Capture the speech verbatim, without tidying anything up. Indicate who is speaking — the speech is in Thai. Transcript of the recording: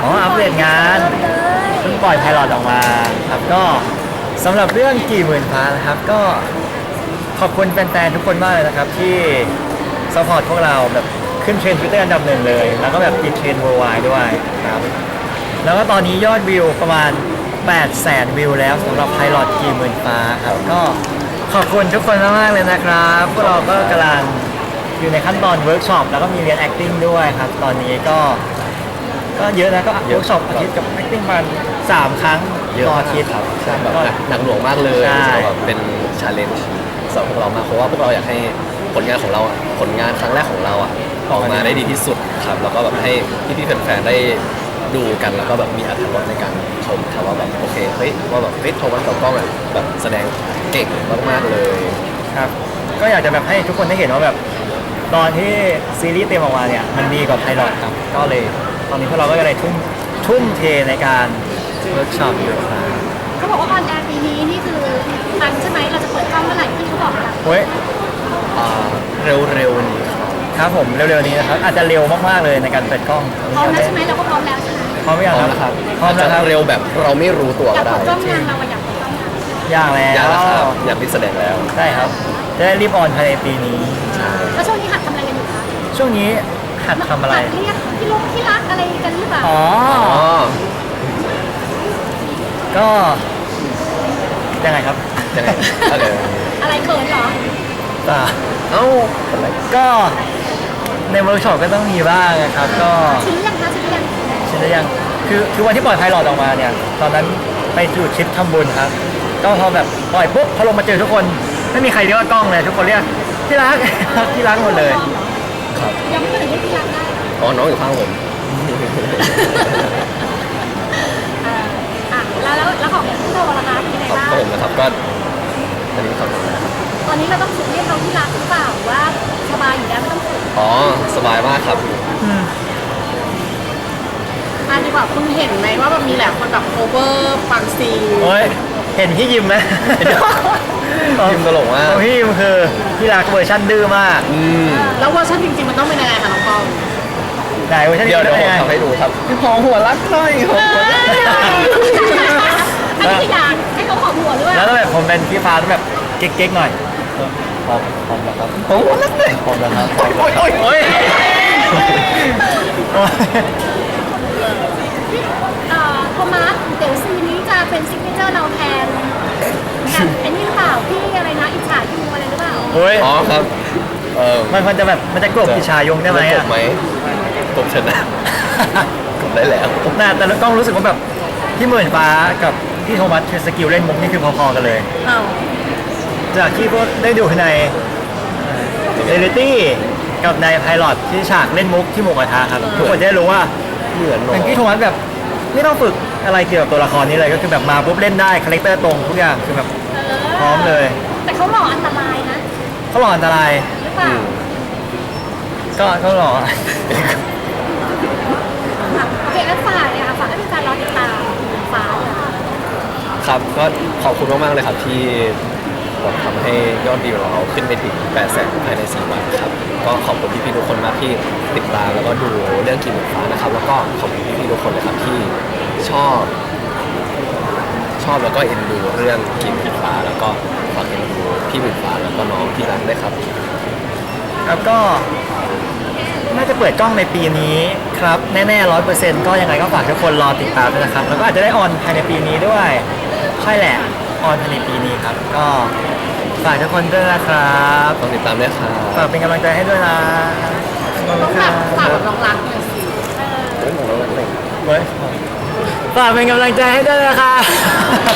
Speaker 1: อ๋ออัปเดตงานเพิ่งปล่อยไพลอตออกมาครับก็สำหรับเรื่องกี่หมื่นฟ้านะครับก็ขอบคุณแฟนๆทุกคนมากเลยนะครับที่ซัพพอร์ตพวกเราแบบขึ้นเทรนด์ทวิตเตอร์อันดับหนึ่งเลย แล้วก็แบบติดเทรนด์ worldwide ด้วยครับแล้วก็ตอนนี้ยอดวิวประมาณแปดแสนวิวแล้วสำหรับไพลอตกี่หมื่นฟ้าครับก็ขอบคุณทุกคนมากๆเลยนะครับพวกเราก็กำลังอยู่ในขั้นตอนเวิร์กช็อปแล้วก็มีเรียน acting ด้วยครับตอนนี้ก็ก็เยอะนะก็เวิร์กช็อปอาทิตย์กับ acting ประมาณสามครั้ง
Speaker 2: เยอะ
Speaker 1: ต่อ
Speaker 2: มา
Speaker 1: อาก ทิตย์
Speaker 2: ครับใช่แบบ
Speaker 1: ก็
Speaker 2: หนักหนักหน่วงมากเลย
Speaker 1: ใช่
Speaker 2: แบบเป็นชาเลนจ์สำหรับพวกเรามากเพราะว่าพวกเราอยากให้ผลงานของเราอะผลงานครั้งแรกของเราอ่ะออกมาได้ดีที่สุดครับแล้วก็แบบให้พี่ๆแฟนๆได้ดูกันแล้วก็แบบมีอรรถรสในการชมครับว่าแบบโอเคเฮ้ยว่าแบบเฮ้ยโทมัสกับกล้องอ่ะแบบแสดงเก่งมากๆเลย
Speaker 1: ครับก็อยากจะแบบให้ทุกคนได้เห็นว่าแบบตอนที่ซีรีส์เต็มออกมาเนี่ยมันดีกว่าไพลอตครับก็เลยตอนนี้พวกเราก็เลยทุ่มทุ่มเทในการเวิร์กช็อปอยู่ครับ
Speaker 3: เขาบอกว่าออนแอร์ปีนี้นี่คือทันใช่ไหมเราจะเปิดกล้องเมื่อไหร่ที่เขาบอกเรา
Speaker 1: เฮ้ย
Speaker 2: อ่าเร็วๆนี้ครับ
Speaker 1: ครับผมเร็วๆนี้นะครับอาจจะเร็วมากๆเลยในการเปิดกล้อง
Speaker 3: พร้อมแล้วใช่ไหมเราก็พร้อมแล้วใช่ไหม
Speaker 1: พร้อมหรือยัง
Speaker 2: พร้อม
Speaker 1: ค
Speaker 2: แล้วค
Speaker 1: รั
Speaker 2: รั
Speaker 1: บบ พร้อม
Speaker 2: อาจ
Speaker 1: แล้ว
Speaker 2: จะ
Speaker 1: ครับ
Speaker 2: เร็วแบบเราไม่รู้ตัว
Speaker 3: อยา
Speaker 2: ก็
Speaker 3: ก
Speaker 2: ได้
Speaker 3: เปิดกล้องงานเราอะอยากเปิดกล้องงาน
Speaker 1: อย่างแล้ว
Speaker 2: อยากแล้วครับอยากที่แสดงแล้ว
Speaker 1: ได้ครับจะได้รีบออนภายในปีนี้
Speaker 3: แล้วช่วงนี้หัดทำอะไรกันอยู่คะ
Speaker 1: ช่วงนี้หัดทำอะไร
Speaker 3: หัดเรียกที่ลุงที่รักอะไรกันหรือเปล่า
Speaker 1: อ๋อ
Speaker 2: อ๋อ
Speaker 1: ก็ยังไงครับ
Speaker 2: ยังไงอะไร
Speaker 3: อะไรเขินเหรอ
Speaker 1: อ่า
Speaker 2: เอ้าอะไร
Speaker 1: ก็ในเวิร์กช็อปก็ต้องมีบ้างนะครับก็
Speaker 3: ชิ้นยังคะชิ้นยัง
Speaker 1: ใช่หรือยังคือคือวันที่ปล่อยไพลอตออกมาเนี่ย ตอนนั้นไปจุดทริปทำบุญครับ ก็พอแบบปล่อยปุ๊บพอลงมาเจอทุกคน ไม่มีใครเรียกว่ากล้องเลย ทุกคนเรียกที่รัก ที่รักหมดเลย
Speaker 2: ครับ
Speaker 3: ยังไม่เคยเรียกที่รักได้
Speaker 2: อ๋อน้องอยู่ข้างผม
Speaker 3: เอ่ออ่ะแล้วแล้วแล้วของพี่โทรล่ะคะเป็นยังไง
Speaker 2: ครับ
Speaker 3: บ้าง
Speaker 2: ก็ผมนะครับก็อันนี้ครับ
Speaker 3: ตอนนี้เราต้องฝึกเรียกเขาที่รักหรือเปล่าหรือว่าสบายอยู่แล้วไม่ต้องฝึก
Speaker 2: อ๋อสบายมากครับ
Speaker 4: อันดีกว่าคุณเห็นไหมว่าแบบมีหลายคนแบบโคเวอร์บางซีน
Speaker 1: โอ้ย เห็นพี่ยิมไหม
Speaker 2: ยิมตลกมาก
Speaker 1: ของพี่ยิมคือที่รักเวอร์ชันดื้อมาก
Speaker 2: อืม
Speaker 4: แล้วเวอร์ชันจริงๆมันต้องเป็นยังไงคะน้องปอม
Speaker 1: ไหนเวอร์ชัน
Speaker 2: เดี๋ยวเดี๋ยวผม
Speaker 1: ไง
Speaker 2: ทำให้ดูครับหอมหัวรักหน่อยหอมหัวรักหน่อย
Speaker 3: อันนี้คืออยากให้เขาขอหัวหรือว่า
Speaker 1: แล้วก็แบบผมเป็นพี่ฟ้าต้องแบบเก๊กๆหน่อยพร้อมพร้อมแล้วครับ
Speaker 2: หอมหัวรักหน่อย
Speaker 1: พร้อมแล้วครับ
Speaker 2: โอ๊ยโอ๊ยโอ๊ยโอ๊ย
Speaker 1: โอ้ย
Speaker 3: เอ่อโทมัสเดี๋ยวซีนนี้จะเป็นซิกเนเจอร์เราแทนแทนไอ้นี่หรือเปล่าพี่อะไรนะอิจฉายูอะไรหรือเปล่า
Speaker 1: โอ้ย
Speaker 2: อ๋อครับเออ
Speaker 1: มันมันจะแบบมันจะกลบอิชายงได้ไหม
Speaker 2: ก
Speaker 1: อ่ะ
Speaker 2: บไหมกบชนะกบได้แล้ว
Speaker 1: น่าแต่เราต้องรู้สึกว่าแบบพี่หมื่นฟ้ากับพี่โทมัสคือสกิลเล่นมุกนี่คือพอๆกันเลย
Speaker 4: อ้าว
Speaker 1: จากที่พวกได้ดูในเรลิตี้กับในไพลอตที่ฉากเล่นมุกที่หมูกระทะครับทุกคนจะได้รู้ว่า
Speaker 2: เหมือนเนอะ
Speaker 1: เป็นพี่โทมัสแบบไม่ต้องฝึกอะไรเกี่ยวกับตัวละครนี้เลยก็คือแบบมาปุ๊บเล่นได้คาแรคเตอร์ตรงทุกอย่างคือแบบ
Speaker 3: เออ
Speaker 1: พร้อมเลย
Speaker 3: แต่เขาหล่ออันตรายนะ
Speaker 1: เขาหล่ออันตราย
Speaker 3: หรือเปล่า
Speaker 1: ก็ก็หล่อ
Speaker 3: ค่ะโอเคแล้วฝากเลยค่ะฝากให้แฟนๆรอติดตามฟ้าค่ะ
Speaker 2: ครับก็ขอบคุณมากๆเลยครับที่แบบทำให้ยอดวิวเราขึ้นไปถึงแปดแสนภายในสี่วันครับก็ขอบคุณพี่ๆทุกคนมากที่ติดตามแล้วก็ดูเรื่องกินหมูฟ้านะครับ แล้วก็ขอบคุณพี่ๆทุกคนเลยครับที่ชอบ ชอบแล้วก็เอ็นดูเรื่องกินหมูฟ้า แล้วก็ฝากเอ็นดูพี่หมูฟ้าแล้วก็น้องที่รักด้วยครับ
Speaker 1: ครับก็น่าจะเปิดกล้องในปีนี้ครับแน่ๆร้อยเปอร์เซ็นต์ก็ยังไงก็ฝากทุกคนรอติดตามด้วยนะครับแล้วก็อาจจะได้ออนภายในปีนี้ด้วยใช่แหละออนภายในปีนี้ครับ ก็ฝากทุกคนด้วยนะครับ
Speaker 2: ต้องติดตามด้วยครับ
Speaker 1: ฝากเป็นกำลังใจให้ด้วยนะขอบ
Speaker 4: ต้
Speaker 1: คุ
Speaker 4: อง
Speaker 1: ณค
Speaker 4: แบ
Speaker 1: รับบ
Speaker 4: ฝากแบบน้องรักหน่อยสิ
Speaker 2: เฮ้ยผมเราเล่น
Speaker 1: เฮ้ยฝากเป็นกำลังใจให้ด้วยนะครับ